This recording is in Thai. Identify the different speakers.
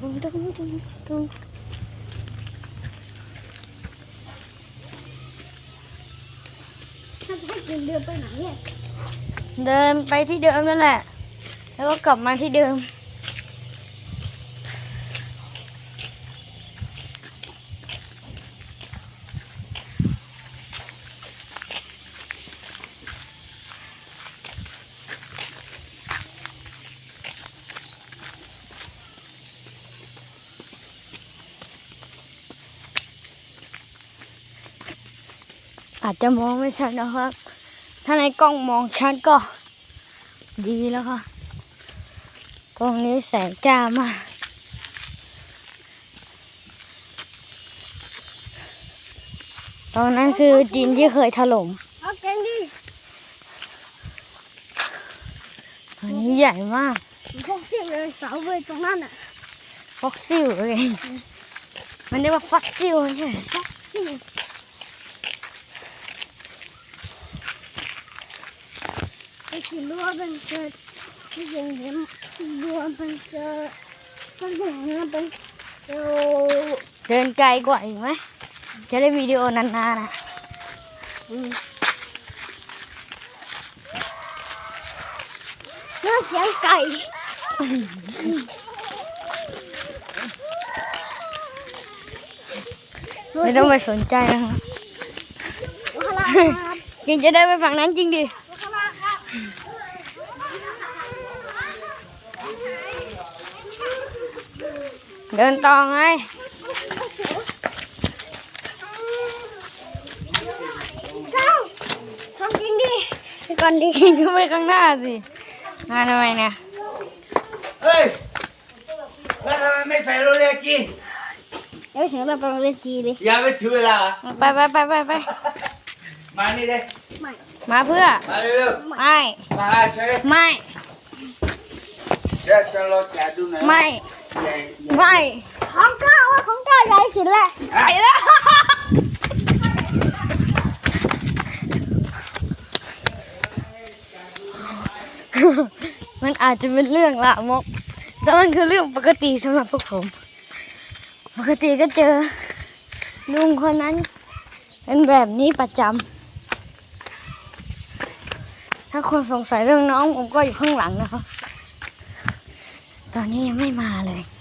Speaker 1: ถ้าให้เดินไปไหนเนี่ย
Speaker 2: เดินไปที่เดิมนั่นแหละแล้วก็กลับมาที่เดิมอาจจะมองไม่ชัดนะครับ ถ้าในกล้องมองชัดก็ดีแล้วค่ะ ตรงนี้แสงจ้ามากตอนนั้นคือดินที่เคยถล่ม
Speaker 1: เอาเก่งดิ
Speaker 2: อันนี้ใหญ่มาก
Speaker 1: พวกเสียเลยเสาเว้ยตรงนั้นอ่ะ
Speaker 2: ฟ็อกซิลเลยมันเรียกว่าฟ็อกซิลใช่ไหม
Speaker 1: พวกเสียไอ้ที่รั้วมันเกิดที่อย่างเงี้ยรั้วมันเกิดมันอย่างเงี้ยเป็นโอ้
Speaker 2: เดินไกลกว่าอีกไหมจะได้วิดีโอนานๆนะ
Speaker 1: น่าเสียงไก่
Speaker 2: ไม่ต้องไปสนใจนะครับ
Speaker 1: ลูกค้าครับ
Speaker 2: ยังจะได้ไปฝั่งนั้นจริงดิ
Speaker 1: ลูกค้าครับ
Speaker 2: เดินต่อไง
Speaker 1: เจ้าทำจริงดิ
Speaker 2: ไปก่อนดิก็ไปข้างหน้าสิมาทำไมเนี่ย
Speaker 3: เฮ้ยแล้วทำไมไม่ใส่โรเล็กจี
Speaker 1: เดี๋ยวเสียงเราไปเล่นจีเลย
Speaker 3: อย่าไปถือเวลา
Speaker 2: ไป
Speaker 3: มานี่เลย
Speaker 1: ไม่
Speaker 2: มาเพื่อ
Speaker 3: มาเร็ว
Speaker 2: ไม่
Speaker 3: ๆมาเฉย
Speaker 2: ไม่
Speaker 3: เดี๋ยวจะรอแกดูหน่อย
Speaker 2: ไม่
Speaker 3: ใหญ่
Speaker 2: ไม่
Speaker 1: ของก้าวของก้าวใหญ่สุดแหละ
Speaker 2: ไปแล้ว มันอาจจะเป็นเรื่องละมกแต่มันคือเรื่องปกติสำหรับพวกผม ปกติก็เจอลุงคนนั้นเป็นแบบนี้ประจำถ้าคนสงสัยเรื่องน้องผมก็อยู่ข้างหลังนะครับ ตอนนี้ยังไม่มาเลย